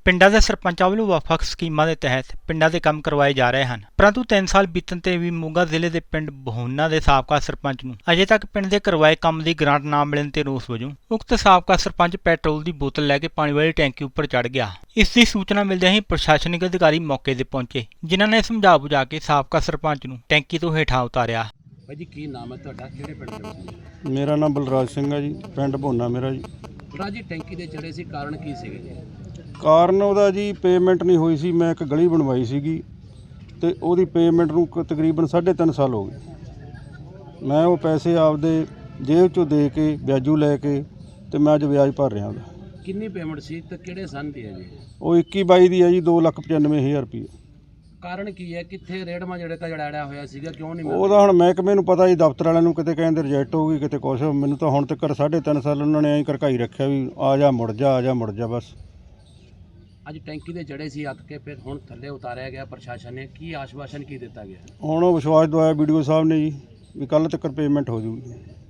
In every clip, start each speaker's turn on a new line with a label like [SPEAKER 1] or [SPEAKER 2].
[SPEAKER 1] ਪਿੰਡਾਂ ਦੇ ਸਰਪੰਚਾਂ ਵੱਲੋਂ ਵੱਖ-ਵੱਖ ਸਕੀਮਾਂ ਦੇ ਤਹਿਤ ਪਿੰਡਾਂ ਦੇ ਕੰਮ ਕਰਵਾਏ ਜਾ ਰਹੇ ਹਨ, ਪਰੰਤੂ 3 ਸਾਲ ਬੀਤਣ ਤੇ ਵੀ ਮੋਗਾ ਜ਼ਿਲ੍ਹੇ ਦੇ ਪਿੰਡ ਬਹੂਨਾ ਦੇ ਸਾਬਕਾ ਸਰਪੰਚ ਨੂੰ ਅਜੇ ਤੱਕ ਪਿੰਡ ਦੇ ਕਰਵਾਏ ਕੰਮ ਦੀ ਗ੍ਰਾਂਟ ਨਾ ਮਿਲਣ ਤੇ ਰੋਸ ਵਜੋਂ ਉਕਤ ਸਾਬਕਾ ਸਰਪੰਚ ਪੈਟਰੋਲ ਦੀ ਬੋਤਲ ਲੈ ਕੇ ਪਾਣੀ ਵਾਲੀ ਟੈਂਕੀ ਉੱਪਰ ਚੜ੍ਹ ਗਿਆ। ਇਸ ਦੀ ਸੂਚਨਾ ਮਿਲਦਿਆਂ ਹੀ ਪ੍ਰਸ਼ਾਸਨਿਕ ਅਧਿਕਾਰੀ ਮੌਕੇ ਤੇ ਪਹੁੰਚੇ, ਜਿਨ੍ਹਾਂ ਨੇ ਸਮਝਾ ਬੁਝਾ ਕੇ ਸਾਬਕਾ ਸਰਪੰਚ ਨੂੰ ਟੈਂਕੀ ਤੋਂ ਹੇਠਾਂ ਉਤਾਰਿਆ।
[SPEAKER 2] ਭਾਈ ਜੀ ਕੀ ਨਾਮ ਹੈ ਤੁਹਾਡਾ, ਕਿਹੜੇ ਪਿੰਡ ਦੇ ਵਿੱਚ?
[SPEAKER 3] ਮੇਰਾ ਨਾਮ ਬਲਰਾਜ ਸਿੰਘ ਹੈ ਜੀ, ਪਿੰਡ ਬਹੂਨਾ ਮੇਰਾ ਜੀ।
[SPEAKER 2] ਬਲਰਾਜ ਜੀ ਟੈਂਕੀ ਦੇ ਚੜੇ ਸੀ, ਕਾਰਨ ਕੀ ਸੀਗੇ ਜੀ?
[SPEAKER 3] ਕਾਰਨ ਉਹਦਾ ਜੀ ਪੇਮੈਂਟ ਨਹੀਂ ਹੋਈ ਸੀ। ਮੈਂ ਇੱਕ ਗਲੀ ਬਣਵਾਈ ਸੀਗੀ ਤੇ ਉਹਦੀ ਪੇਮੈਂਟ ਨੂੰ ਤਕਰੀਬਨ 3.5 ਸਾਲ ਹੋ ਗਏ। ਮੈਂ ਉਹ ਪੈਸੇ ਆਪਦੇ ਜੇਬ ਚੋਂ ਦੇ ਕੇ ਵਿਆਜੂ ਲੈ ਕੇ ਤੇ ਮੈਂ ਅੱਜ ਵਿਆਜ ਭਰ ਰਿਹਾ ਉਹਦਾ।
[SPEAKER 2] ਕਿੰਨੀ ਪੇਮੈਂਟ ਸੀ ਤੇ ਕਿਹੜੇ ਸੰਨ ਦੀ ਹੈ ਜੀ?
[SPEAKER 3] ਉਹ 21-22 ਦੀ ਹੈ ਜੀ, 2,95,000 ਰੁਪਏ।
[SPEAKER 2] ਕਾਰਨ ਕੀ ਹੈ, ਕਿੱਥੇ ਰੇੜਮਾ ਜਿਹੜੇ ਤਾਂ ਜੜਾੜਿਆ ਹੋਇਆ ਸੀਗਾ, ਕਿਉਂ ਨਹੀਂ ਮਿਲਦਾ?
[SPEAKER 3] ਉਹਦਾ ਹੁਣ ਮਹਿਕਮੇ ਨੂੰ ਪਤਾ ਜੀ, ਦਫ਼ਤਰ ਵਾਲਿਆਂ ਨੂੰ ਕਿਤੇ ਕਹਿੰਦੇ ਰਿਜੈਕਟ ਹੋ ਗਈ, ਕਿਤੇ ਕੁਛ। ਮੈਨੂੰ ਤਾਂ ਹੁਣ ਤੱਕ 3.5 ਸਾਲ ਉਹਨਾਂ ਨੇ ਐਂ ਕਰਕਾਈ ਰੱਖਿਆ ਵੀ ਆ ਜਾ ਮੁੜ ਜਾ, ਆ ਜਾ ਮੁੜ ਜਾ ਬਸ।
[SPEAKER 2] ਅੱਜ ਟੈਂਕੀ ਦੇ ਚੜੇ ਸੀ ਅੱਕ ਕੇ, ਫਿਰ ਹੁਣ ਥੱਲੇ ਉਤਾਰਿਆ ਗਿਆ ਪ੍ਰਸ਼ਾਸਨ ਨੇ, ਕੀ ਆਸ਼ਵਾਸਨ ਕੀ ਦਿੱਤਾ ਗਿਆ?
[SPEAKER 3] ਹੁਣ ਉਹ ਵਿਸ਼ਵਾਸ ਦਵਾਇਆ ਵੀਡੀਓ ਸਾਹਿਬ ਨੇ ਜੀ ਵੀ ਕੱਲ੍ਹ ਤੱਕ ਪੇਮੈਂਟ ਹੋ ਜੂਗੀ।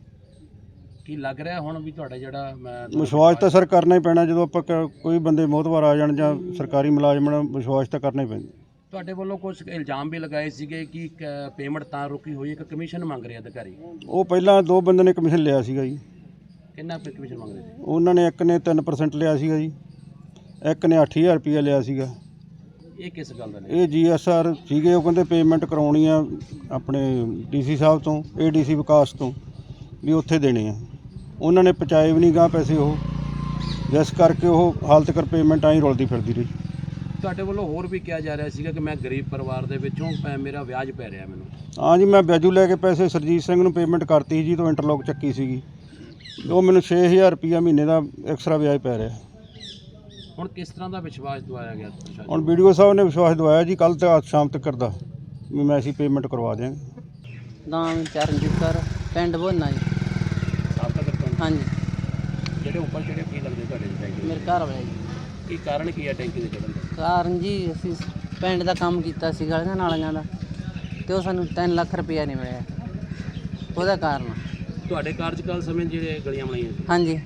[SPEAKER 2] ਕੀ ਲੱਗ ਰਿਹਾ ਹੁਣ ਵੀ ਤੁਹਾਡਾ ਜਿਹੜਾ
[SPEAKER 3] ਵਿਸ਼ਵਾਸ ਤਾਂ ਸਰ ਕਰਨਾ ਹੀ ਪੈਣਾ, ਜਦੋਂ ਆਪਾਂ ਕੋਈ ਬੰਦੇ ਮੋਹਤਵਾਰ ਆ ਜਾਣ ਜਾਂ ਸਰਕਾਰੀ ਮੁਲਾਜ਼ਮ ਨਾਲ, ਵਿਸ਼ਵਾਸ ਤਾਂ ਕਰਨਾ ਹੀ ਪੈਂਦਾ।
[SPEAKER 2] ਤੁਹਾਡੇ ਵੱਲੋਂ ਕੁਝ ਇਲਜ਼ਾਮ ਵੀ ਲਗਾਏ ਸੀਗੇ ਕਿ ਪੇਮੈਂਟ ਤਾਂ ਰੁਕੀ ਹੋਈ ਹੈ ਕਿ ਕਮਿਸ਼ਨ ਮੰਗ ਰਹੇ ਅਧਿਕਾਰੀ?
[SPEAKER 3] ਉਹ ਪਹਿਲਾਂ 2 ਬੰਦੇ ਨੇ ਕਮਿਸ਼ਨ ਲਿਆ ਸੀਗਾ ਜੀ।
[SPEAKER 2] ਕਿੰਨਾ ਕਮਿਸ਼ਨ ਮੰਗ ਰਹੇ ਸੀ?
[SPEAKER 3] ਉਹਨਾਂ ਨੇ ਇੱਕ ਨੇ 3% ਲਿਆ ਸੀਗਾ ਜੀ, ਇੱਕ ਨੇ 8,000 ਰੁਪਇਆ ਲਿਆ ਸੀਗਾ।
[SPEAKER 2] ਇਹ ਕਿਸ ਗੱਲ ਦਾ?
[SPEAKER 3] ਇਹ GSR ਸੀਗੇ, ਉਹ ਕਹਿੰਦੇ ਪੇਮੈਂਟ ਕਰਾਉਣੀ ਆ ਆਪਣੇ DC ਸਾਹਿਬ ਤੋਂ, ADC ਵਿਕਾਸ ਤੋਂ, ਵੀ ਉੱਥੇ ਦੇਣੇ ਆ। ਉਹਨਾਂ ਨੇ ਪਹੁੰਚਾਏ ਵੀ ਨਹੀਂ ਗਾ ਪੈਸੇ ਉਹ, ਜਿਸ ਕਰਕੇ ਉਹ ਹਾਲ ਤੱਕ ਪੇਮੈਂਟ ਆਈ ਰੁਲਦੀ ਫਿਰਦੀ ਰਹੀ।
[SPEAKER 2] ਤੁਹਾਡੇ ਵੱਲੋਂ ਹੋਰ ਵੀ ਕਿਹਾ ਜਾ ਰਿਹਾ ਸੀਗਾ ਕਿ ਮੈਂ ਗਰੀਬ ਪਰਿਵਾਰ ਦੇ ਵਿੱਚੋਂ ਮੇਰਾ ਵਿਆਜ ਪੈ ਰਿਹਾ ਮੈਨੂੰ।
[SPEAKER 3] ਹਾਂ ਜੀ, ਮੈਂ ਵਿਆਜੂ ਲੈ ਕੇ ਪੈਸੇ ਸਰਜੀਤ ਸਿੰਘ ਨੂੰ ਪੇਮੈਂਟ ਕਰਤੀ ਜੀ, ਤੋਂ ਇੰਟਰਲੋਕ ਚੱਕੀ ਸੀਗੀ। ਉਹ ਮੈਨੂੰ 6,000 ਰੁਪਇਆ ਮਹੀਨੇ ਦਾ ਐਕਸਟਰਾ ਵਿਆਜ ਪੈ ਰਿਹਾ।
[SPEAKER 2] ਹੁਣ ਕਿਸ ਤਰ੍ਹਾਂ ਦਾ ਵਿਸ਼ਵਾਸ ਦਿਵਾਇਆ ਗਿਆ ਪ੍ਰਸ਼ਾਸਨ?
[SPEAKER 3] ਹੁਣ ਵੀਡੀਓ ਸਾਹਿਬ ਨੇ ਵਿਸ਼ਵਾਸ ਦਵਾਇਆ ਜੀ, ਕੱਲ੍ਹ ਤੱਕ ਸ਼ਾਮ ਤੱਕ ਕਰਦਾ ਵੀ ਮੈਂ ਅਸੀਂ ਪੇਮੈਂਟ ਕਰਵਾ ਦਿਆਂਗੇ।
[SPEAKER 4] ਨਾਮ ਚਰਨਜੀਤ ਕੌਰ, ਪਿੰਡ ਬਹੂਨਾ ਜੀ।
[SPEAKER 2] ਸਾਬਕਾ ਸਰਪੰਚ?
[SPEAKER 4] ਹਾਂਜੀ।
[SPEAKER 2] ਜਿਹੜੇ ਉੱਪਰ ਜਿਹੜੇ ਕੀ ਲੱਗਦੇ ਤੁਹਾਡੇ ਟੈਂਕੀ?
[SPEAKER 4] ਮੇਰੇ ਘਰ ਵਾਲਾ ਜੀ।
[SPEAKER 2] ਕੀ ਕਾਰਨ ਕੀ ਹੈ ਟੈਂਕੀ ਦੇ ਚੜ੍ਹਨ ਦਾ?
[SPEAKER 4] ਕਾਰਨ ਜੀ ਅਸੀਂ ਪਿੰਡ ਦਾ ਕੰਮ ਕੀਤਾ ਸੀ ਗਲੀਆਂ ਨਾਲੀਆਂ ਦਾ, ਤੇ ਉਹ ਸਾਨੂੰ 3 ਲੱਖ ਰੁਪਇਆ ਨਹੀਂ ਮਿਲਿਆ, ਉਹਦਾ ਕਾਰਨ।
[SPEAKER 2] ਤੁਹਾਡੇ ਕਾਰਜਕਾਲ ਸਮੇਂ ਜਿਹੜੇ ਗਲੀਆਂ ਬਣਾਈਆਂ ਸੀ,
[SPEAKER 4] ਹਾਂਜੀ,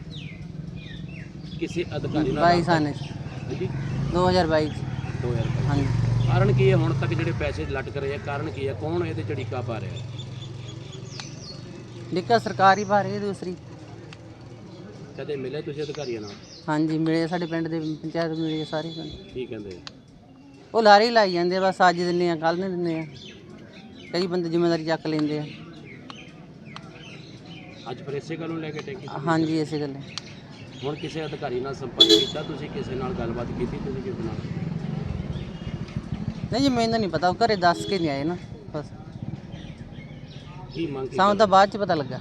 [SPEAKER 2] ਕਿਸੇ ਅਧਿਕਾਰੀ ਨਾਲ
[SPEAKER 4] 22 ਸਾਲ
[SPEAKER 2] ਹਾਂਜੀ
[SPEAKER 4] 2022 ਚ।
[SPEAKER 2] 2000
[SPEAKER 4] ਹਾਂਜੀ।
[SPEAKER 2] ਕਾਰਨ ਕੀ ਹੈ ਹੁਣ ਤੱਕ ਜਿਹੜੇ ਪੈਸੇ ਲਟਕ ਰਹੇ ਆ? ਕਾਰਨ ਕੀ ਹੈ, ਕੌਣ ਇਹਦੇ ਚ ਢੀਕਾ ਪਾ ਰਿਹਾ?
[SPEAKER 4] ਲਿਖਾ ਸਰਕਾਰੀ ਭਾ ਰਹੀ ਹੈ ਦੂਸਰੀ।
[SPEAKER 2] ਕਦੇ ਮਿਲੇ ਤੁਸੀਂ ਅਧਿਕਾਰੀਆਂ ਨਾਲ?
[SPEAKER 4] ਹਾਂਜੀ ਮਿਲੇ, ਸਾਡੇ ਪਿੰਡ ਦੇ ਪੰਚਾਇਤ ਮਿਲੇ ਸਾਰੇ ਪਿੰਡ।
[SPEAKER 2] ਕੀ ਕਹਿੰਦੇ?
[SPEAKER 4] ਉਹ ਲਾਰੀ ਲਾਈ ਜਾਂਦੇ ਆ, ਬਸ ਅੱਜ ਦਿੰਦੇ ਆ ਕੱਲ੍ਹ ਨਹੀਂ ਦਿੰਦੇ ਆ, ਕਈ ਬੰਦੇ ਜ਼ਿੰਮੇਵਾਰੀ ਚੱਕ ਲੈਂਦੇ ਆ।
[SPEAKER 2] ਅੱਜ ਫਿਰ ਇਸੇ ਗੱਲ ਨੂੰ ਲੈ ਕੇ ਟੈਂਕੀ?
[SPEAKER 4] ਹਾਂਜੀ ਇਸੇ ਗੱਲੇ।
[SPEAKER 2] ਹੁਣ ਕਿਸੇ ਅਧਿਕਾਰੀ ਨਾਲ ਸੰਪਰਕ ਕੀਤਾ ਤੁਸੀਂ? ਕਿਸੇ ਨਾਲ ਗੱਲਬਾਤ ਕੀਤੀ ਤੁਸੀਂ ਕਿਸੇ ਨਾਲ?
[SPEAKER 4] ਨਹੀਂ ਜੀ, ਮੈਨੂੰ ਨਹੀਂ ਪਤਾ, ਉਹ ਘਰੇ ਦੱਸ ਕੇ ਨਹੀਂ ਆਏ ਨਾ, ਬਸ
[SPEAKER 2] ਕੀ ਮੰਗ
[SPEAKER 4] ਸਾਨੂੰ ਤਾਂ ਬਾਅਦ ਚ ਪਤਾ ਲੱਗਾ।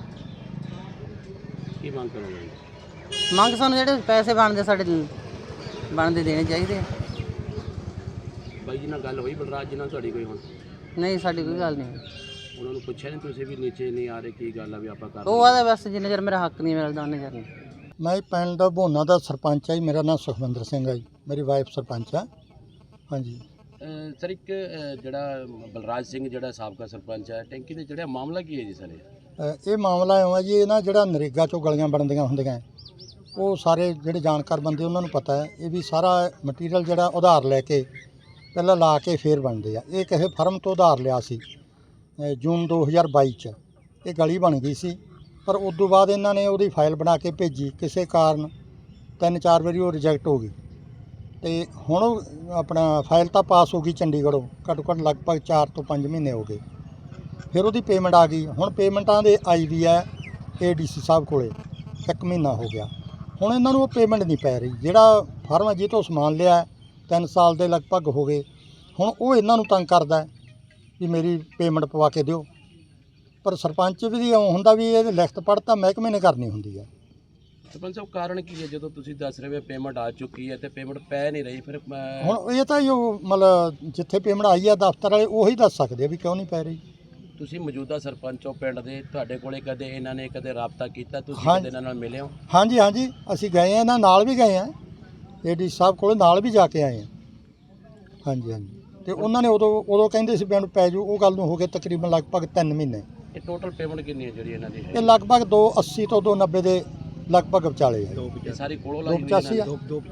[SPEAKER 2] ਕੀ ਮੰਗ ਕਰੋਗੇ?
[SPEAKER 4] ਮੰਗ ਸਾਨੂੰ ਜਿਹੜੇ ਪੈਸੇ ਬਣਦੇ ਸਾਡੇ ਬਣਦੇ ਦੇਣੇ ਚਾਹੀਦੇ ਆ।
[SPEAKER 2] ਬਾਈ ਜੀ ਨਾਲ ਗੱਲ ਹੋਈ ਬਲਰਾਜ ਜੀ ਨਾਲ ਤੁਹਾਡੀ ਕੋਈ? ਹੁਣ
[SPEAKER 4] ਨਹੀਂ, ਸਾਡੀ ਕੋਈ ਗੱਲ ਨਹੀਂ।
[SPEAKER 2] ਉਹਨਾਂ ਨੂੰ ਪੁੱਛਿਆ ਨਹੀਂ ਤੁਸੀਂ ਵੀ ਨੀਚੇ ਨਹੀਂ ਆ ਰਹੇ, ਕੀ ਗੱਲ ਆ ਵੀ ਆਪਾਂ ਕਰ
[SPEAKER 4] ਉਹ ਆਦਾ ਬਸ ਜਿੰਨੇ ਚਿਰ ਮੇਰਾ ਹੱਕ ਨਹੀਂ ਮਿਲਦਾ ਉਹਨੇ ਚਿਰ ਨਹੀਂ।
[SPEAKER 5] ਮੈਂ ਪਿੰਡ ਦਾ ਬਹੂਨਾ ਦਾ ਸਰਪੰਚ ਆ ਜੀ। ਮੇਰਾ ਨਾਮ ਸੁਖਵਿੰਦਰ ਸਿੰਘ ਆ ਜੀ, ਮੇਰੀ ਵਾਈਫ ਸਰਪੰਚ ਆ। ਹਾਂਜੀ
[SPEAKER 2] ਸਰ, ਇੱਕ ਜਿਹੜਾ ਬਲਰਾਜ ਸਿੰਘ ਜਿਹੜਾ ਸਾਬਕਾ ਸਰਪੰਚ ਹੈ, ਟੈਂਕੀ ਦੇ ਜਿਹੜਾ ਮਾਮਲਾ ਕੀ ਹੈ ਜੀ ਸਰ?
[SPEAKER 5] ਇਹ ਮਾਮਲਾ ਇਉਂ ਆ ਜੀ, ਇਹ ਨਾ ਜਿਹੜਾ ਨਰੇਗਾ 'ਚੋਂ ਗਲੀਆਂ ਬਣਦੀਆਂ ਹੁੰਦੀਆਂ, ਉਹ ਸਾਰੇ ਜਿਹੜੇ ਜਾਣਕਾਰ ਬੰਦੇ ਉਹਨਾਂ ਨੂੰ ਪਤਾ ਹੈ। ਇਹ ਵੀ ਸਾਰਾ ਮਟੀਰੀਅਲ ਜਿਹੜਾ ਉਧਾਰ ਲੈ ਕੇ ਪਹਿਲਾਂ ਲਾ ਕੇ ਫੇਰ ਬਣਦੇ ਆ। ਇਹ ਕਿਸੇ ਫਰਮ ਤੋਂ ਉਧਾਰ ਲਿਆ ਸੀ ਜੂਨ 2022 'ਚ। ਇਹ ਗਲੀ ਬਣ ਗਈ ਸੀ, ਪਰ ਉਸ ਤੋਂ ਬਾਅਦ ਇਹਨਾਂ ਨੇ ਉਹਦੀ ਫਾਈਲ ਬਣਾ ਕੇ ਭੇਜੀ, ਕਿਸੇ ਕਾਰਨ 3-4 ਵਾਰੀ ਉਹ ਰਿਜੈਕਟ ਹੋ ਗਈ। ਤੇ ਹੁਣ ਆਪਣਾ ਫਾਈਲ ਤਾਂ ਪਾਸ ਹੋ ਗਈ ਚੰਡੀਗੜ੍ਹੋਂ, ਘੱਟੋ ਘੱਟ ਲਗਭਗ 4 ਤੋਂ 5 ਮਹੀਨੇ ਹੋ ਗਏ। ਫਿਰ ਉਹਦੀ ਪੇਮੈਂਟ ਆ ਗਈ। ਹੁਣ ਪੇਮੈਂਟਾਂ ਦੇ ਆਈ ਵੀ ਹੈ ADC ਸਾਹਿਬ ਕੋਲੇ, 1 ਮਹੀਨਾ ਹੋ ਗਿਆ। ਹੁਣ ਇਹਨਾਂ ਨੂੰ ਉਹ ਪੇਮੈਂਟ ਨਹੀਂ ਪੈ ਰਹੀ। ਜਿਹੜਾ ਫਰਮ ਜਿਹਦੇ ਤੋਂ ਸਮਾਨ ਲਿਆ 3 ਸਾਲ ਦੇ ਲਗਭਗ ਹੋ ਗਏ, ਹੁਣ ਉਹ ਇਹਨਾਂ ਨੂੰ ਤੰਗ ਕਰਦਾ ਵੀ ਮੇਰੀ ਪੇਮੈਂਟ ਪਵਾ ਕੇ ਦਿਓ। ਪਰ ਸਰਪੰਚ ਵੀ ਹੁੰਦਾ ਵੀ ਇਹ ਲਿਖਤ ਪੜ੍ਹ ਤਾਂ ਮਹਿਕਮੇ ਨੇ ਕਰਨੀ ਹੁੰਦੀ ਹੈ।
[SPEAKER 2] ਸਰਪੰਚ ਸਾਹਿਬ, ਕਾਰਨ ਕੀ ਹੈ ਜਦੋਂ ਤੁਸੀਂ ਦੱਸ ਰਹੇ ਹੋ ਪੇਮੈਂਟ ਆ ਚੁੱਕੀ ਹੈ ਤੇ ਪੇਮੈਂਟ ਪੈ ਨਹੀਂ ਰਹੀ? ਫਿਰ
[SPEAKER 5] ਹੁਣ ਇਹ ਤਾਂ ਜੋ ਮਤਲਬ ਜਿੱਥੇ ਪੇਮੈਂਟ ਆਈ ਆ ਦਫ਼ਤਰ ਵਾਲੇ ਉਹੀ ਦੱਸ ਸਕਦੇ ਆ ਵੀ ਕਿਉਂ ਨਹੀਂ ਪੈ ਰਹੀ।
[SPEAKER 2] ਤੁਸੀਂ ਮੌਜੂਦਾ ਸਰਪੰਚ ਹੋ ਪਿੰਡ ਦੇ, ਤੁਹਾਡੇ ਕੋਲੇ ਕਦੇ ਇਹਨਾਂ ਨੇ ਕਦੇ ਰਾਬਤਾ ਕੀਤਾ? ਤੁਸੀਂ ਕਦੇ ਇਹਨਾਂ ਨਾਲ ਮਿਲੇ ਹੋ?
[SPEAKER 5] ਹਾਂਜੀ ਹਾਂਜੀ, ਅਸੀਂ ਗਏ ਆ, ਇਹਨਾਂ ਨਾਲ ਵੀ ਗਏ ਆ, ADC ਸਾਹਿਬ ਕੋਲ ਨਾਲ ਵੀ ਜਾ ਕੇ ਆਏ ਆ। ਹਾਂਜੀ ਹਾਂਜੀ, ਤੇ ਉਹਨਾਂ ਨੇ ਉਦੋਂ ਕਹਿੰਦੇ ਸੀ ਪੇਮੈਂਟ ਪੈ ਜੂ, ਉਹ ਗੱਲ ਨੂੰ ਹੋ ਗਏ ਤਕਰੀਬਨ ਲਗਭਗ 3 ਮਹੀਨੇ।
[SPEAKER 2] ਇਹ ਟੋਟਲ ਪੇਮੈਂਟ ਕਿੰਨੀ ਹੈ ਜਿਹੜੀ ਇਹਨਾਂ ਦੀ?
[SPEAKER 5] ਇਹ ਲਗਭਗ 280 ਤੋਂ 290 ਦੇ ਲਗਭਗ ਵਿਚਾਲੇ ਹੈ।
[SPEAKER 2] ਇਹ ਸਾਰੀ ਕੋਲੋਂ ਲਾਈ ਹੋਈ
[SPEAKER 5] 285 ਆ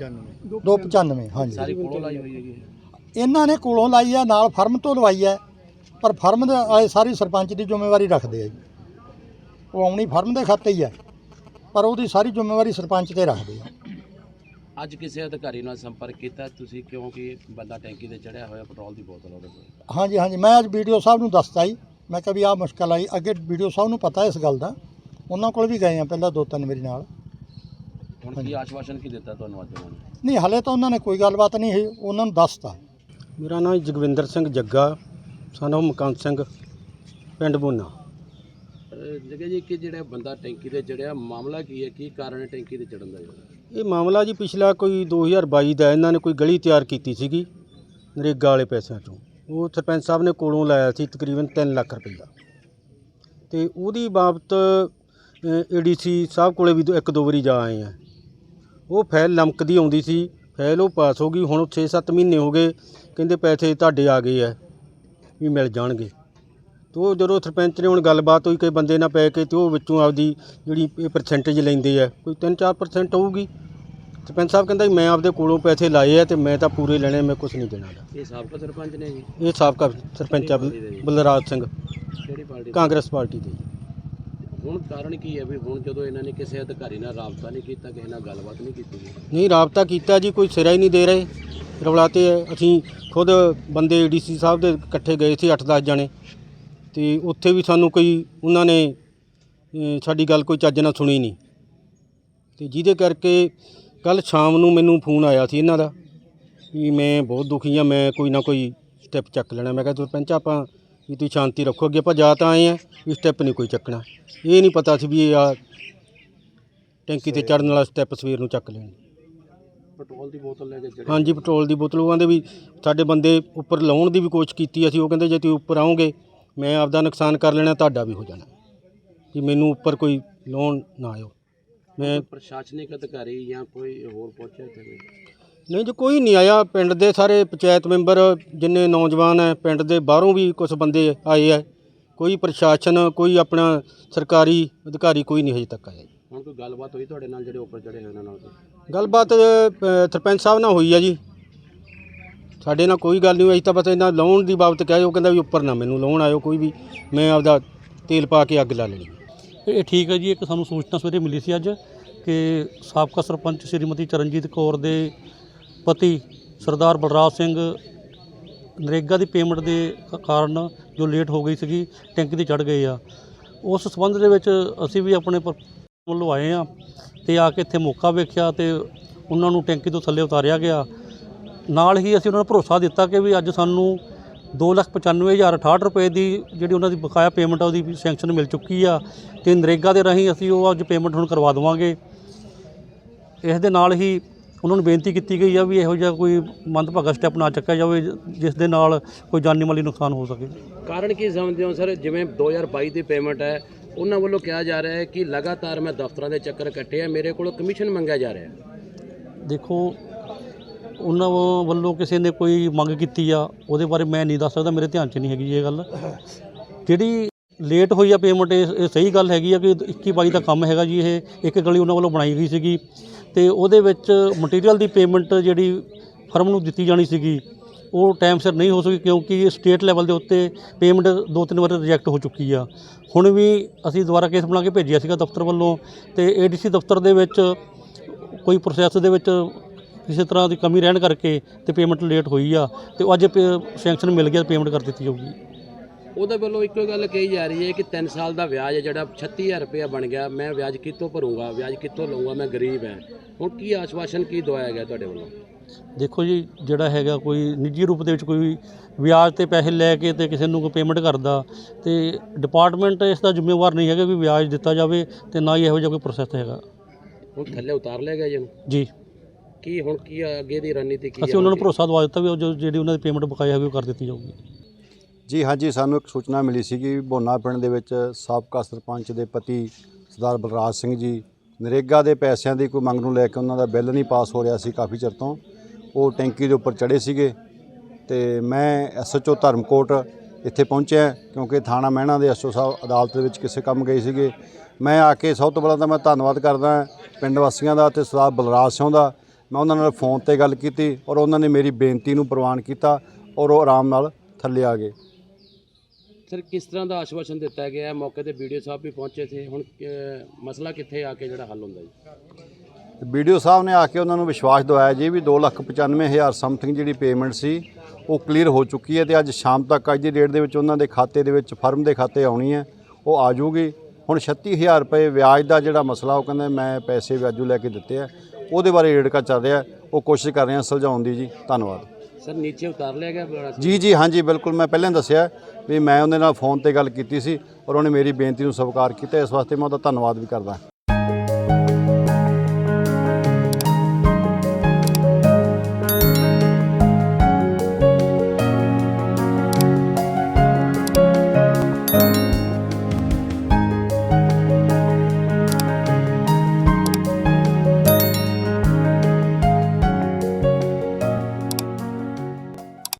[SPEAKER 5] 295 ਹਾਂਜੀ
[SPEAKER 2] ਸਾਰੀ ਕੋਲੋਂ ਲਾਈ ਹੋਈ ਹੈਗੀ।
[SPEAKER 5] ਇਹਨਾਂ ਨੇ ਕੋਲੋਂ ਲਾਈ ਆ, ਨਾਲ ਫਰਮ ਤੋਂ ਲਵਾਈ ਹੈ, ਪਰ ਫਰਮ ਦੇ ਵਾਲੇ ਸਾਰੀ ਸਰਪੰਚ ਦੀ ਜ਼ਿੰਮੇਵਾਰੀ ਰੱਖਦੇ ਆ ਜੀ। ਉਹ ਆਉਣੀ ਫਰਮ ਦੇ ਖਾਤੇ ਹੀ ਹੈ, ਪਰ ਉਹਦੀ ਸਾਰੀ ਜ਼ਿੰਮੇਵਾਰੀ ਸਰਪੰਚ ਤੇ ਰੱਖਦੇ ਆ।
[SPEAKER 2] ਅੱਜ ਕਿਸੇ ਅਧਿਕਾਰੀ ਨਾਲ ਸੰਪਰਕ ਕੀਤਾ ਤੁਸੀਂ, ਕਿਉਂਕਿ ਬੰਦਾ ਟੈਂਕੀ ਤੇ ਚੜਿਆ ਹੋਇਆ, ਪੈਟਰੋਲ ਦੀ ਬੋਤਲ ਉਹਦੇ ਕੋਲ?
[SPEAKER 5] ਹਾਂਜੀ ਹਾਂਜੀ, ਮੈਂ ਅੱਜ ਵੀਡੀਓ ਸਾਹਿਬ ਨੂੰ ਦੱਸਤਾ ਜੀ, ਮੈਂ ਕਿਹਾ ਵੀ ਆਹ ਮੁਸ਼ਕਲ ਆਈ। ਅੱਗੇ ਵੀਡੀਓ ਸਾਹਿਬ ਨੂੰ ਪਤਾ ਇਸ ਗੱਲ ਦਾ, ਉਹਨਾਂ ਕੋਲ ਵੀ ਗਏ ਆ ਪਹਿਲਾਂ 2-3 ਮੇਰੇ ਨਾਲ।
[SPEAKER 2] ਹੁਣ ਕੀ ਆਸ਼ਵਾਸਨ ਕੀ ਦਿੱਤਾ ਤੁਹਾਨੂੰ ਅੱਜ ਉਹਨਾਂ ਨੇ?
[SPEAKER 5] ਨਹੀਂ, ਹਲੇ ਤਾਂ ਉਹਨਾਂ ਨੇ ਕੋਈ ਗੱਲਬਾਤ ਨਹੀਂ ਹੋਈ, ਉਹਨਾਂ ਨੂੰ ਦੱਸਤਾ।
[SPEAKER 6] ਮੇਰਾ ਨਾਮ ਜਗਵਿੰਦਰ ਸਿੰਘ ਜੱਗਾ, ਸਾਨੂੰ ਮਕੰਦ ਸਿੰਘ, ਪਿੰਡ ਬੂਨਾ।
[SPEAKER 2] ਜਗ੍ਹਾ ਜੀ ਕਿ ਜਿਹੜਾ ਬੰਦਾ ਟੈਂਕੀ ਤੇ ਚੜਿਆ, ਮਾਮਲਾ ਕੀ ਹੈ, ਕੀ ਕਾਰਨ ਹੈ ਟੈਂਕੀ ਤੇ ਚੜਨ ਦਾ?
[SPEAKER 6] ਇਹ ਮਾਮਲਾ ਜੀ ਪਿਛਲਾ ਕੋਈ 2022 ਦਾ ਇਹਨਾਂ ਨੇ ਕੋਈ ਗਲੀ ਤਿਆਰ ਕੀਤੀ ਸੀਗੀ ਨਰੇਗਾ ਵਾਲੇ ਪੈਸਿਆਂ ਤੋਂ। ਉਹ ਸਰਪੰਚ ਸਾਹਿਬ ਨੇ ਕੋਲੋਂ ਲਾਇਆ ਸੀ ਤਕਰੀਬਨ 3 ਲੱਖ ਰੁਪਈਆ, ਤੇ ਉਹਦੀ ਬਾਬਤ ADC ਸਾਹਿਬ ਕੋਲੇ ਵੀ 1-2 ਵਾਰੀ ਜਾ ਆਏ ਆ। ਉਹ ਫਾਈਲ ਲਮਕਦੀ ਆਉਂਦੀ ਸੀ, ਫਾਈਲ ਉਹ ਪਾਸ ਹੋ ਗਈ। ਹੁਣ 6-7 ਮਹੀਨੇ ਹੋ ਗਏ, ਕਹਿੰਦੇ ਪੈਸੇ ਤੁਹਾਡੇ ਆ ਗਏ ਆ ਵੀ ਮਿਲ ਜਾਣਗੇ। ਤੇ ਉਹ ਜਦੋਂ ਸਰਪੰਚ ਨੇ ਹੁਣ ਗੱਲਬਾਤ ਹੋਈ ਕਿ ਬੰਦੇ ਨਾਲ ਪੈ ਕੇ, ਤੇ ਉਹ ਵਿੱਚੋਂ ਆਪਦੀ ਜਿਹੜੀ ਇਹ ਪਰਸੈਂਟੇਜ ਲੈਂਦੇ ਆ, ਕੋਈ 3-4% ਹੋਊਗੀ। ਸਰਪੰਚ ਸਾਹਿਬ ਕਹਿੰਦਾ ਮੈਂ ਆਪਦੇ ਕੋਲੋਂ ਪੈਸੇ ਲਾਏ ਆ ਤੇ ਮੈਂ ਤਾਂ ਪੂਰੇ ਲੈਣੇ, ਮੈਂ ਕੁਝ ਨਹੀਂ ਦੇਣਾ।
[SPEAKER 2] ਇਹ ਸਾਬਕਾ ਸਰਪੰਚ ਨੇ ਜੀ?
[SPEAKER 6] ਇਹ ਸਾਬਕਾ ਸਰਪੰਚ ਆ ਬਲਰਾਜ ਸਿੰਘ,
[SPEAKER 2] ਕਿਹੜੀ ਪਾਰਟੀ?
[SPEAKER 6] ਕਾਂਗਰਸ ਪਾਰਟੀ ਦੇ।
[SPEAKER 2] ਹੁਣ ਕਾਰਨ ਕੀ ਹੈ ਵੀ ਹੁਣ ਜਦੋਂ ਇਹਨਾਂ ਨੇ ਕਿਸੇ ਅਧਿਕਾਰੀ ਨਾਲ ਰਾਬਤਾ ਨਹੀਂ ਕੀਤਾ, ਕਿਸੇ ਨਾਲ ਗੱਲਬਾਤ ਨਹੀਂ ਕੀਤੀ?
[SPEAKER 6] ਨਹੀਂ, ਰਾਬਤਾ ਕੀਤਾ ਜੀ, ਕੋਈ ਸਿਰਾ ਹੀ ਨਹੀਂ ਦੇ ਰਹੇ, ਰੌਲਾਤੇ ਹੈ। ਅਸੀਂ ਖੁਦ ਬੰਦੇ ADC ਸਾਹਿਬ ਦੇ ਇਕੱਠੇ ਗਏ ਸੀ 8-10 ਜਣੇ, ਤੇ ਉੱਥੇ ਵੀ ਸਾਨੂੰ ਕੋਈ ਉਹਨਾਂ ਨੇ ਸਾਡੀ ਗੱਲ ਕੋਈ ਚੱਜ ਨਾਲ ਸੁਣੀ ਨਹੀਂ। ਤੇ ਜਿਹਦੇ ਕਰਕੇ ਕੱਲ੍ਹ ਸ਼ਾਮ ਨੂੰ ਮੈਨੂੰ ਫੋਨ ਆਇਆ ਸੀ ਇਹਨਾਂ ਦਾ ਵੀ ਮੈਂ ਬਹੁਤ ਦੁਖੀ ਹਾਂ, ਮੈਂ ਕੋਈ ਨਾ ਕੋਈ ਸਟੈਪ ਚੱਕ ਲੈਣਾ। ਮੈਂ ਕਿਹਾ ਸਰਪੰਚ ਆਪਾਂ ਵੀ ਤੁਸੀਂ ਸ਼ਾਂਤੀ ਰੱਖੋ, ਅੱਗੇ ਆਪਾਂ ਜਾ ਤਾਂ ਆਏ ਆ, ਵੀ ਸਟੈਪ ਨਹੀਂ ਕੋਈ ਚੱਕਣਾ। ਇਹ ਨਹੀਂ ਪਤਾ ਸੀ ਵੀ ਇਹ ਆ ਟੈਂਕੀ ਤੇ ਚੜ੍ਹਨ ਵਾਲਾ ਸਟੈਪ ਸਵੇਰ ਨੂੰ ਚੱਕ ਲੈਣ।
[SPEAKER 2] ਪੈਟਰੋਲ ਦੀ ਬੋਤਲ ਲੈ ਕੇ ਚੜੇ?
[SPEAKER 6] ਹਾਂਜੀ, ਪੈਟਰੋਲ ਦੀ ਬੋਤਲ। ਉਹ ਕਹਿੰਦੇ ਵੀ ਸਾਡੇ ਬੰਦੇ ਉੱਪਰ ਲਾਉਣ ਦੀ ਵੀ ਕੋਸ਼ਿਸ਼ ਕੀਤੀ ਅਸੀਂ। ਉਹ ਕਹਿੰਦੇ ਜੇ ਤੁਸੀਂ ਉੱਪਰ ਆਓਗੇ ਮੈਂ ਆਪਦਾ ਨੁਕਸਾਨ ਕਰ ਲੈਣਾ, ਤੁਹਾਡਾ ਵੀ ਹੋ ਜਾਣਾ, ਕਿ ਮੈਨੂੰ ਉੱਪਰ ਕੋਈ ਲਾਉਣ ਨਾ ਆਇਓ। ਮੈਂ
[SPEAKER 2] ਪ੍ਰਸ਼ਾਸਨਿਕ ਅਧਿਕਾਰੀ ਜਾਂ ਕੋਈ ਹੋਰ ਪਹੁੰਚਿਆ ਇੱਥੇ?
[SPEAKER 6] ਨਹੀਂ ਜੀ, ਕੋਈ ਨਹੀਂ ਆਇਆ। ਪਿੰਡ ਦੇ ਸਾਰੇ ਪੰਚਾਇਤ ਮੈਂਬਰ ਜਿੰਨੇ ਨੌਜਵਾਨ ਹੈ, ਪਿੰਡ ਦੇ ਬਾਹਰੋਂ ਵੀ ਕੁਝ ਬੰਦੇ ਆਏ ਹੈ, ਕੋਈ ਪ੍ਰਸ਼ਾਸਨ, ਕੋਈ ਆਪਣਾ ਸਰਕਾਰੀ ਅਧਿਕਾਰੀ ਕੋਈ ਨਹੀਂ ਹਜੇ ਤੱਕ ਆਇਆ ਜੀ।
[SPEAKER 2] ਹੁਣ ਕੋਈ ਗੱਲਬਾਤ ਹੋਈ ਤੁਹਾਡੇ ਨਾਲ ਜਿਹੜੇ ਉੱਪਰ ਚੜੇ ਹੋਏ ਉਹਨਾਂ ਨਾਲ?
[SPEAKER 6] ਗੱਲਬਾਤ ਸਰਪੰਚ ਸਾਹਿਬ ਨਾਲ ਹੋਈ ਆ ਜੀ, ਸਾਡੇ ਨਾਲ ਕੋਈ ਗੱਲ ਨਹੀਂ ਹੋਈ। ਤਾਂ ਬਸ ਇਹਨਾਂ ਲਾਉਣ ਦੀ ਬਾਬਤ ਕਹੇ, ਉਹ ਕਹਿੰਦਾ ਵੀ ਉੱਪਰ ਨਾ ਮੈਨੂੰ ਲਾਉਣ ਆਇਓ ਕੋਈ ਵੀ, ਮੈਂ ਆਪਦਾ ਤੇਲ ਪਾ ਕੇ ਅੱਗ ਲਾ ਲੈਣੀ।
[SPEAKER 7] ਇਹ ਠੀਕ ਹੈ ਜੀ। ਇੱਕ ਸਾਨੂੰ ਸੂਚਨਾ ਸਵੇਰੇ ਮਿਲੀ ਸੀ ਅੱਜ ਕਿ ਸਾਬਕਾ ਸਰਪੰਚ ਸ਼੍ਰੀਮਤੀ ਚਰਨਜੀਤ ਕੌਰ ਦੇ ਪਤੀ ਸਰਦਾਰ ਬਲਰਾਜ ਸਿੰਘ ਨਰੇਗਾ ਦੀ ਪੇਮੈਂਟ ਦੇ ਕਾਰਨ ਜੋ ਲੇਟ ਹੋ ਗਈ ਸੀਗੀ, ਟੈਂਕੀ ਤੇ ਚੜ੍ਹ ਗਏ ਆ। ਉਸ ਸੰਬੰਧ ਦੇ ਵਿੱਚ ਅਸੀਂ ਵੀ ਆਪਣੇ ਵੱਲੋਂ ਆਏ ਆ ਤੇ ਆ ਕੇ ਇੱਥੇ ਮੌਕਾ ਵੇਖਿਆ ਤੇ ਉਹਨਾਂ ਨੂੰ ਟੈਂਕੀ ਤੋਂ ਥੱਲੇ ਉਤਾਰਿਆ ਗਿਆ। ਨਾਲ ਹੀ ਅਸੀਂ ਉਹਨਾਂ ਨੂੰ ਭਰੋਸਾ ਦਿੱਤਾ ਕਿ ਵੀ ਅੱਜ ਸਾਨੂੰ 2,95,068 ਰੁਪਏ ਦੀ ਜਿਹੜੀ ਉਹਨਾਂ ਦੀ ਬਕਾਇਆ ਪੇਮੈਂਟ ਆ ਉਹਦੀ ਸੈਂਕਸ਼ਨ ਮਿਲ ਚੁੱਕੀ ਆ, ਤੇ ਨਰੇਗਾ ਦੇ ਰਾਹੀਂ ਅਸੀਂ ਉਹ ਅੱਜ ਪੇਮੈਂਟ ਹੁਣ ਕਰਵਾ ਦੇਵਾਂਗੇ। ਇਸ ਦੇ ਨਾਲ ਹੀ ਉਹਨਾਂ ਨੂੰ ਬੇਨਤੀ ਕੀਤੀ ਗਈ ਆ ਵੀ ਇਹੋ ਜਿਹਾ ਕੋਈ ਮੰਦਭਾਗਾ ਸਟੈਪ ਨਾ ਚੱਕਿਆ ਜਾਵੇ ਜਿਸ ਦੇ ਨਾਲ ਕੋਈ ਜਾਨੀ ਮਾਲੀ ਨੁਕਸਾਨ ਹੋ ਸਕੇ।
[SPEAKER 2] ਕਾਰਨ ਕੀ ਸਮਝਦੇ ਹੋ ਸਰ? ਜਿਵੇਂ 2022 ਦੀ ਪੇਮੈਂਟ ਹੈ, ਉਹਨਾਂ ਵੱਲੋਂ ਕਿਹਾ ਜਾ ਰਿਹਾ ਹੈ ਕਿ ਲਗਾਤਾਰ ਮੈਂ ਦਫ਼ਤਰਾਂ ਦੇ ਚੱਕਰ ਕੱਟੇ ਆ, ਮੇਰੇ ਕੋਲੋਂ ਕਮਿਸ਼ਨ ਮੰਗਿਆ ਜਾ ਰਿਹਾ ਹੈ।
[SPEAKER 7] ਦੇਖੋ, ਉਹਨਾਂ ਵੱਲੋਂ ਕਿਸੇ ਨੇ ਕੋਈ ਮੰਗ ਕੀਤੀ ਆ, ਉਹਦੇ ਬਾਰੇ ਮੈਂ ਨਹੀਂ ਦੱਸ ਸਕਦਾ, ਮੇਰੇ ਧਿਆਨ 'ਚ ਨਹੀਂ ਹੈਗੀ ਇਹ ਗੱਲ। ਜਿਹੜੀ ਲੇਟ ਹੋਈ ਆ ਪੇਮੈਂਟ, ਇਹ ਸਹੀ ਗੱਲ ਹੈਗੀ ਆ ਕਿ 21-22 ਦਾ ਕੰਮ ਹੈਗਾ ਜੀ। ਇਹ ਇੱਕ ਗਲੀ ਉਹਨਾਂ ਵੱਲੋਂ ਬਣਾਈ ਗਈ ਸੀਗੀ, ਤੇ ਉਹਦੇ ਵਿੱਚ ਮਟੀਰੀਅਲ ਦੀ ਪੇਮੈਂਟ ਜਿਹੜੀ ਫਰਮ ਨੂੰ ਦਿੱਤੀ ਜਾਣੀ ਸੀਗੀ ਉਹ ਟਾਈਮ ਸਿਰ ਨਹੀਂ ਹੋ ਸਕੀ, ਕਿਉਂਕਿ ਸਟੇਟ ਲੈਵਲ ਦੇ ਉੱਤੇ ਪੇਮੈਂਟ 2-3 ਵਾਰ ਰਿਜੈਕਟ ਹੋ ਚੁੱਕੀ ਆ। ਹੁਣ ਵੀ ਅਸੀਂ ਦੁਬਾਰਾ ਕੇਸ ਬਣਾ ਕੇ ਭੇਜਿਆ ਸੀਗਾ ਦਫ਼ਤਰ ਵੱਲੋਂ, ਤੇ ADC ਦਫ਼ਤਰ ਦੇ ਵਿੱਚ ਕੋਈ ਪ੍ਰੋਸੈਸ ਦੇ ਵਿੱਚ ਕਿਸੇ ਤਰ੍ਹਾਂ ਦੀ ਕਮੀ ਰਹਿਣ ਕਰਕੇ ਤੇ ਪੇਮੈਂਟ ਲੇਟ ਹੋਈ ਆ, ਤੇ ਅੱਜ ਸੈਂਕਸ਼ਨ ਮਿਲ ਗਿਆ, ਪੇਮੈਂਟ ਕਰ ਦਿੱਤੀ ਜਾਊਗੀ।
[SPEAKER 2] ਉਹਦੇ ਵੱਲੋਂ ਇੱਕੋ ਗੱਲ ਕਹੀ ਜਾ ਰਹੀ ਹੈ ਕਿ 3 ਸਾਲ ਦਾ ਵਿਆਜ ਹੈ ਜਿਹੜਾ 36,000 ਰੁਪਇਆ ਬਣ ਗਿਆ, ਮੈਂ ਵਿਆਜ ਕਿੱਥੋਂ ਭਰੂੰਗਾ, ਵਿਆਜ ਕਿੱਥੋਂ ਲਊਂਗਾ, ਮੈਂ ਗਰੀਬ ਹੈ। ਹੁਣ ਕੀ ਆਸ਼ਵਾਸਨ ਕੀ ਦਵਾਇਆ ਗਿਆ ਤੁਹਾਡੇ ਵੱਲੋਂ?
[SPEAKER 7] ਦੇਖੋ ਜੀ, ਜਿਹੜਾ ਹੈਗਾ ਕੋਈ ਨਿੱਜੀ ਰੂਪ ਦੇ ਵਿੱਚ ਕੋਈ ਵਿਆਜ ਤੇ ਪੈਸੇ ਲੈ ਕੇ ਤੇ ਕਿਸੇ ਨੂੰ ਕੋਈ ਪੇਮੈਂਟ ਕਰਦਾ, ਤੇ ਡਿਪਾਰਟਮੈਂਟ ਇਸ ਦਾ ਜ਼ਿੰਮੇਵਾਰ ਨਹੀਂ ਹੈਗਾ ਵੀ ਵਿਆਜ ਦਿੱਤਾ ਜਾਵੇ, ਤੇ ਨਾ ਹੀ ਇਹੋ ਜਿਹਾ ਕੋਈ ਪ੍ਰੋਸੈਸ ਹੈਗਾ।
[SPEAKER 2] ਹੁਣ ਥੱਲੇ ਉਤਾਰ ਲਿਆ ਗਿਆ
[SPEAKER 7] ਜੀ।
[SPEAKER 2] ਕੀ ਹੁਣ ਕੀ ਅੱਗੇ ਦੀ ਰਣਨੀਤੀ ਕੀ?
[SPEAKER 7] ਅਸੀਂ ਉਹਨਾਂ ਨੂੰ ਭਰੋਸਾ ਦਵਾ ਦਿੱਤਾ ਵੀ ਉਹ ਜਿਹੜੀ ਉਹਨਾਂ ਦੀ ਪੇਮੈਂਟ ਬਕਾਇਆ ਹੋਵੇ ਉਹ ਕਰ ਦਿੱਤੀ ਜਾਊਗੀ।
[SPEAKER 3] ਜੀ ਹਾਂਜੀ, ਸਾਨੂੰ ਇੱਕ ਸੂਚਨਾ ਮਿਲੀ ਸੀ ਕਿ ਭੋਨਾ ਪਿੰਡ ਦੇ ਵਿੱਚ ਸਾਬਕਾ ਸਰਪੰਚ ਦੇ ਪਤੀ ਸਰਦਾਰ ਬਲਰਾਜ ਸਿੰਘ ਜੀ ਨਰੇਗਾ ਦੇ ਪੈਸਿਆਂ ਦੀ ਕੋਈ ਮੰਗ ਨੂੰ ਲੈ ਕੇ ਉਹਨਾਂ ਦਾ ਬਿੱਲ ਨਹੀਂ ਪਾਸ ਹੋ ਰਿਹਾ ਸੀ ਕਾਫੀ ਚਿਰ ਤੋਂ। ਉਹ ਟੈਂਕੀ ਦੇ ਉੱਪਰ ਚੜ੍ਹੇ ਸੀਗੇ, ਤੇ ਮੈਂ SHO ਧਰਮਕੋਟ ਇੱਥੇ ਪਹੁੰਚਿਆ ਕਿਉਂਕਿ ਥਾਣਾ ਮਹਿਣਾ ਦੇ SHO ਸਾਹਿਬ ਅਦਾਲਤ ਦੇ ਵਿੱਚ ਕਿਸੇ ਕੰਮ ਗਏ ਸੀਗੇ। ਮੈਂ ਆ ਕੇ ਸਭ ਤੋਂ ਪਹਿਲਾਂ ਤਾਂ ਮੈਂ ਧੰਨਵਾਦ ਕਰਦਾ ਪਿੰਡ ਵਾਸੀਆਂ ਦਾ ਤੇ ਸਰਦਾਰ ਬਲਰਾਜ ਸਿੰਘ ਦਾ। ਮੈਂ ਉਹਨਾਂ ਨਾਲ ਫੋਨ ਤੇ ਗੱਲ ਕੀਤੀ ਔਰ ਉਹਨਾਂ ਨੇ ਮੇਰੀ ਬੇਨਤੀ ਨੂੰ ਪ੍ਰਵਾਨ ਕੀਤਾ ਔਰ ਉਹ ਆਰਾਮ ਨਾਲ ਥੱਲੇ ਆ ਗਏ।
[SPEAKER 2] ਸਰ ਕਿਸ ਤਰ੍ਹਾਂ ਦਾ ਆਸ਼ਵਾਸਨ ਦਿੱਤਾ ਗਿਆ ਹੈ? ਮੌਕੇ ਤੇ ਵੀਡੀਓ ਸਾਹਿਬ ਵੀ ਪਹੁੰਚੇ ਸੀ, ਹੁਣ ਮਸਲਾ ਕਿੱਥੇ ਆ ਕੇ ਜਿਹੜਾ ਹੱਲ ਹੁੰਦਾ ਜੀ?
[SPEAKER 3] ਵੀਡੀਓ ਸਾਹਿਬ ਨੇ ਆ ਕੇ ਉਹਨਾਂ ਨੂੰ ਵਿਸ਼ਵਾਸ ਦਿਵਾਇਆ ਜੀ ਵੀ 2,95,000 ਸਮਥਿੰਗ ਜਿਹੜੀ ਪੇਮੈਂਟ ਸੀ ਉਹ ਕਲੀਅਰ ਹੋ ਚੁੱਕੀ ਹੈ ਤੇ ਅੱਜ ਸ਼ਾਮ ਤੱਕ ਅੱਜ ਦੀ ਡੇਟ ਦੇ ਵਿੱਚ ਉਹਨਾਂ ਦੇ ਖਾਤੇ ਦੇ ਵਿੱਚ ਫਰਮ ਦੇ ਖਾਤੇ ਆਉਣੀ ਹੈ, ਉਹ ਆ ਜਾਊਗੀ। ਹੁਣ 36,000 ਰੁਪਏ ਵਿਆਜ ਦਾ ਜਿਹੜਾ ਮਸਲਾ ਉਹ ਕਹਿੰਦੇ ਮੈਂ ਪੈਸੇ ਵਿਆਜੂ ਲੈ ਕੇ ਦਿੱਤੇ ਆ, ਉਹਦੇ ਬਾਰੇ ਰੇੜਕਾ ਚੱਲ ਰਿਹਾ, ਉਹ ਕੋਸ਼ਿਸ਼ ਕਰ ਰਹੇ ਹਾਂ ਸੁਲਝਾਉਣ ਦੀ ਜੀ। ਧੰਨਵਾਦ।
[SPEAKER 2] ਸਰ ਨੀਚੇ ਉਤਾਰ ਲਿਆ ਗਿਆ?
[SPEAKER 3] ਜੀ ਹਾਂਜੀ ਬਿਲਕੁਲ, ਮੈਂ ਪਹਿਲਾਂ ਦੱਸਿਆ ਵੀ ਮੈਂ ਉਹਦੇ ਨਾਲ ਫੋਨ ਤੇ ਗੱਲ ਕੀਤੀ ਸੀ ਔਰ ਉਹਨੇ ਮੇਰੀ ਬੇਨਤੀ ਨੂੰ ਸਵੀਕਾਰ ਕੀਤਾ, ਇਸ ਵਾਸਤੇ ਮੈਂ ਉਹਦਾ ਧੰਨਵਾਦ ਵੀ ਕਰਦਾ।